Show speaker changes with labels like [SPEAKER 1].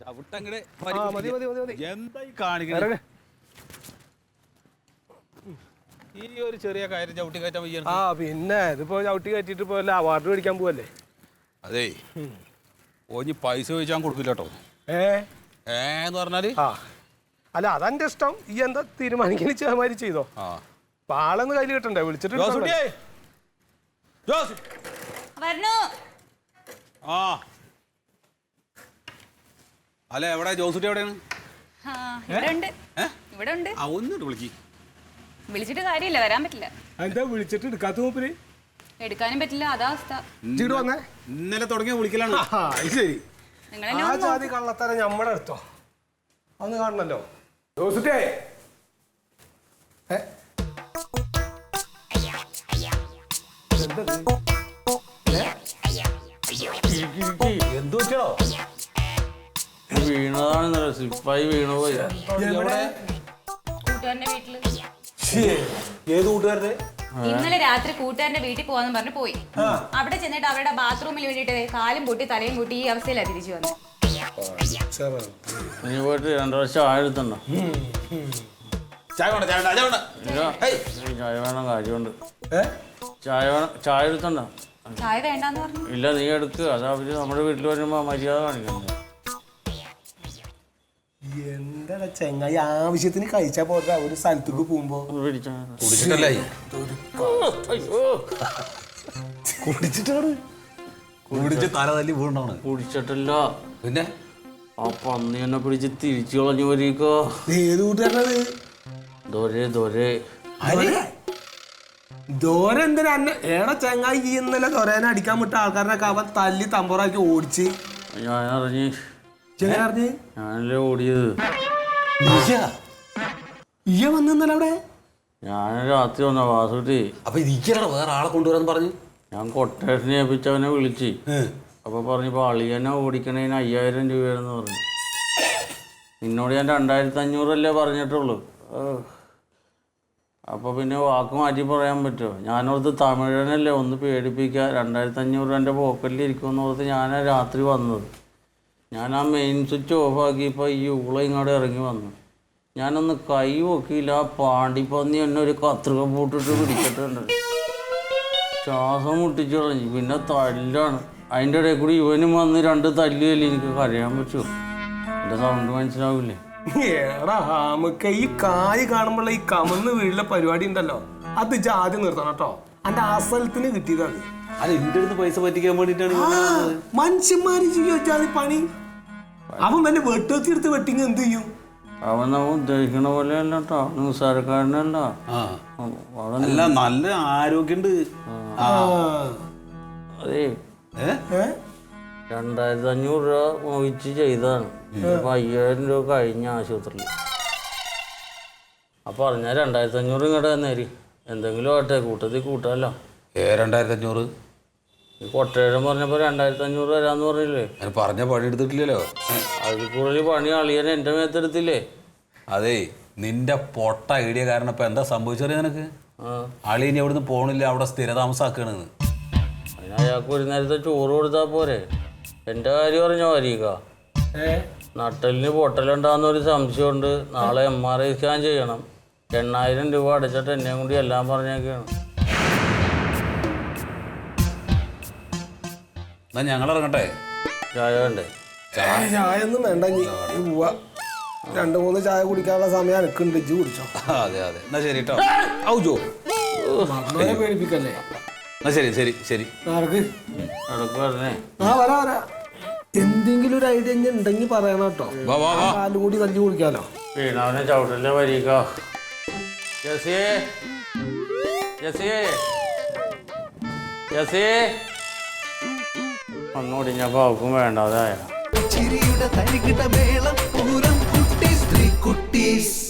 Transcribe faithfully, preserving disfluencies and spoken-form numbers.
[SPEAKER 1] ഈ ഒരു ചെറിയ കാര്യം ചവിട്ടി കയറ്റാൻ വയ്യ.
[SPEAKER 2] ആ പിന്നെ ഇതിപ്പോ ചവിട്ടി കയറ്റിട്ട് ഇപ്പൊ അവാർഡ് മേടിക്കാൻ പോവല്ലേ.
[SPEAKER 1] അതേ ഓഞ്ഞി പൈസ ചോദിച്ചാൽ കൊടുക്കില്ല കേട്ടോ.
[SPEAKER 2] ഏ
[SPEAKER 1] ഏന്ന് പറഞ്ഞാല്
[SPEAKER 2] ആ അല്ല അതെന്റെ ഇഷ്ടം. ഈ എന്താ തീരുമാനിക്കുന്ന ചേമാരി ചെയ്തോ. അപ്പൊ ആളൊന്ന് കയ്യിൽ കിട്ടണ്ടേ വിളിച്ചിട്ട്.
[SPEAKER 1] ആ അല്ല എവിടെ ജോസുട്ടി എവിടെയാണ്? ഒന്നിട്ട് വിളിക്ക്.
[SPEAKER 3] വിളിച്ചിട്ട് കാര്യമില്ല, വരാൻ പറ്റില്ല.
[SPEAKER 2] എന്താ വിളിച്ചിട്ട് എടുക്കാത്ത മൂപ്പര്?
[SPEAKER 3] എടുക്കാനും പറ്റില്ല, അതാ അവസ്ഥ.
[SPEAKER 1] ഇന്നലെ തുടങ്ങിയ വിളിക്കലാണ്.
[SPEAKER 2] ശരി, ആ ജാതി കള്ളത്തരം ഞമ്മടെ അടുത്തോ അന്ന് കാണണല്ലോ. ജോസുട്ടേ
[SPEAKER 1] എന്തു പറ്റോ?
[SPEAKER 4] വീണതാണ് സിപ്പായി വീണു പോയി.
[SPEAKER 3] കൂട്ടുകാരന്റെ വീട്ടില്.
[SPEAKER 2] ഏത് കൂട്ടുകാരന്റെ?
[SPEAKER 3] ഇന്നലെ രാത്രി കൂട്ടുകാരന്റെ വീട്ടിൽ പോവാന്ന് പറഞ്ഞു പോയി. അവിടെ ചെന്നിട്ട് അവരുടെ ബാത്റൂമിൽ വേണ്ടിട്ട് കാലും പൊട്ടി തലയും കൂട്ടി ഈ അവസ്ഥയിലാണ് തിരിച്ചു വന്നത്.
[SPEAKER 4] നീ പോയിട്ട് രണ്ടു വർഷം ആഴത്തുണ്ടോ?
[SPEAKER 1] ചായ വേണം, ചായ
[SPEAKER 4] ചായ വേണം, കാര്യമുണ്ട്. ചായ വേണം, ചായ എടുത്തണ്ടോ?
[SPEAKER 3] ചായ വേണ്ടെന്ന് പറഞ്ഞു.
[SPEAKER 4] ഇല്ല, നീ എടുക്കുക. അതാ അവര് നമ്മുടെ വീട്ടിൽ വരുമ്പോ മര്യാദ കാണിക്കണ്ടേ.
[SPEAKER 2] എന്താ ചെങ്ങായി ആവശ്യത്തിന് കഴിച്ചാ പോരാ ഒരു സ്ഥലത്തേക്ക് പോകുമ്പോ. കുടിച്ചിട്ടാണ്
[SPEAKER 1] കുടിച്ച് തല തല്ലി വീണ്ടാണ്.
[SPEAKER 4] കുടിച്ചിട്ടില്ല,
[SPEAKER 1] പിന്നെ
[SPEAKER 4] ആ പന്നി എന്നെ പിടിച്ച് തിരിച്ചു കളഞ്ഞു വരീക്കോ.
[SPEAKER 2] ഏത് കൂട്ടുകാരനത്?
[SPEAKER 4] ദൊരേ ദൊരേ
[SPEAKER 2] ദോര എന്തിനാ ഏടാ ചെങ്ങായി? ഈ ഇന്നലെ ദൊരേനെ അടിക്കാൻ വിട്ട ആൾക്കാരനൊക്കെ അവൻ തല്ലി തമ്പുറാക്കി ഓടിച്ച്.
[SPEAKER 4] ഞാൻ അറിഞ്ഞ്
[SPEAKER 2] അറിഞ്ഞ്
[SPEAKER 4] ഞാനല്ലേ ഓടിയത്.
[SPEAKER 2] ഇയ്യ വന്നല്ലേ അവിടെ?
[SPEAKER 4] ഞാൻ രാത്രി വന്ന വാസുട്ടി.
[SPEAKER 1] അപ്പൊ ഇരിക്കണോ വേറെ ആളെ കൊണ്ടുവരാന്ന് പറഞ്ഞു.
[SPEAKER 4] ഞാൻ കൊട്ടേഷനെ ഏൽപ്പിച്ചവനെ വിളിച്ച്. അപ്പൊ പറഞ്ഞപ്പോ അളിയനെ ഓടിക്കണേന് അയ്യായിരം രൂപയാണെന്ന് പറഞ്ഞു. നിന്നോട് ഞാൻ രണ്ടായിരത്തി അഞ്ഞൂറല്ലേ പറഞ്ഞിട്ടുള്ളൂ. അപ്പൊ പിന്നെ വാക്ക് മാറ്റി പറയാൻ പറ്റുമോ? ഞാനോർത്ത് തമിഴനല്ലേ ഒന്ന് പേടിപ്പിക്കുക, രണ്ടായിരത്തി അഞ്ഞൂറ് എൻ്റെ പോക്കറ്റിൽ ഇരിക്കുമെന്ന് ഓർത്ത് ഞാനാ രാത്രി വന്നത്. ഞാൻ ആ മെയിൻ സ്വിച്ച് ഓഫാക്കിയപ്പോൾ ഈ ഊള ഇങ്ങോട്ട് ഇറങ്ങി വന്നു. ഞാനൊന്ന് കൈ നോക്കിയില്ല, ആ പാണ്ടിപ്പന്നി എന്നെ ഒരു കത്രിക പൂട്ടിട്ട് പിടിച്ചിട്ടുണ്ട്. ശ്വാസം മുട്ടിച്ചു കളഞ്ഞു. പിന്നെ തല്ലാണ്. അതിൻ്റെ ഇടയിൽ കൂടി ഇവനും വന്ന് രണ്ട് തല്ലിയല്ലേ എനിക്ക് കരയാൻ പറ്റുമോ? എൻ്റെ സൗണ്ട് മനസ്സിലാവില്ലേ?
[SPEAKER 2] ഏടാ നമുക്ക് ഈ കായ് കാണുമ്പോഴുള്ള ഈ കമന്ന് വീട്ടിലെ പരിപാടി ഉണ്ടല്ലോ, അത് ജാതി നിർത്തണം കേട്ടോ. എന്റെ ആസലത്തിന് കിട്ടിയതാണ്.
[SPEAKER 1] അത് എന്റെ അടുത്ത് പൈസ പറ്റിക്കാൻ വേണ്ടിട്ടാണ്.
[SPEAKER 2] മനുഷ്യന്മാര് ചോദിച്ചാൽ പണി. അവൻ വല്ല വെട്ടുവെത്തിയെടുത്ത് വെട്ടിങ് എന്ത് ചെയ്യും?
[SPEAKER 4] അവൻ നമ്മൾ ഉദ്ദേശിക്കണ പോലെ അല്ല കേട്ടോ, നിസ്സാരക്കാരനല്ല.
[SPEAKER 1] അല്ല, നല്ല ആരോഗ്യമുണ്ട്.
[SPEAKER 4] അതേ രണ്ടായിരത്തി അഞ്ഞൂറ് രൂപ മോഹിച്ച് ചെയ്തതാണ്. ഇപ്പൊ അയ്യായിരം രൂപ കഴിഞ്ഞ ആശുപത്രിയിൽ. അപ്പൊ പറഞ്ഞാൽ രണ്ടായിരത്തി അഞ്ഞൂറ് ഇങ്ങോട്ട് തന്നേരി. എന്തെങ്കിലും ആട്ടെ, കൂട്ടത്തിൽ കൂട്ടാമല്ലോ.
[SPEAKER 1] ഏ രണ്ടായിരത്തി അഞ്ഞൂറ്
[SPEAKER 4] കൊട്ടേഴം പറഞ്ഞപ്പോ രണ്ടായിരത്തി അഞ്ഞൂറ് തരാന്ന് പറഞ്ഞില്ലേ?
[SPEAKER 1] പറഞ്ഞ പണി എടുത്തിട്ടില്ലല്ലോ.
[SPEAKER 4] അതിൽ കൂടുതൽ പണി അളിയൻ എന്റെ മേത്തെടുത്തില്ലേ?
[SPEAKER 1] അതേ നിന്റെ പൊട്ട ഐഡിയ കാരണം ഇപ്പൊ എന്താ സംഭവിച്ചറിയ നിനക്ക്? അളിയൻ എവിടുന്ന് പോണില്ല, അവിടെ സ്ഥിരതാമസാക്കണെന്ന്.
[SPEAKER 4] അതിന് അയാൾക്ക് ഒരു നേരത്തെ ചോറ് കൊടുത്താൽ പോരെ? എന്റെ കാര്യം പറഞ്ഞോ വരീക്ക. നട്ടലിന് പൊട്ടലുണ്ടാകുന്നൊരു സംശയമുണ്ട്. നാളെ എം ആർ ഐ സ്കാൻ ചെയ്യണം. എണ്ണായിരം രൂപ അടച്ചിട്ട് എന്നെയും കൂടി എല്ലാം പറഞ്ഞേക്കാണ്.
[SPEAKER 1] എന്നാ ഞങ്ങൾ ഇറങ്ങട്ടെ.
[SPEAKER 4] ചായ വേണ്ടേ?
[SPEAKER 2] ചായ ഒന്നും വേണ്ട, പോവാ. രണ്ടു മൂന്ന് ചായ കുടിക്കാനുള്ള സമയം എനിക്കുണ്ട്, ഇജ്ജ് കുടിച്ചോ.
[SPEAKER 1] അതെ അതെ, എന്നാ ശരി കേട്ടോ. ഔജോ
[SPEAKER 2] പേടിപ്പിക്കല്ലേ.
[SPEAKER 1] എന്നാ ശരി ശരി ശരി.
[SPEAKER 2] ആ വരാ വരാ. എന്തെങ്കിലും ഒരു ഐഡിയ ഉണ്ടെങ്കിൽ പറയണം കേട്ടോ. കാലും കൂടി തല്ലി കുടിക്കാലോ.
[SPEAKER 4] വീണവനെ ചവിട്ടല്ലേ വരീക്ക. ജസിയേ ജസിയേ ജസിയേ ഒന്നുകൂടിഞ്ഞപ്പോ അവക്കും വേണ്ടാതായ.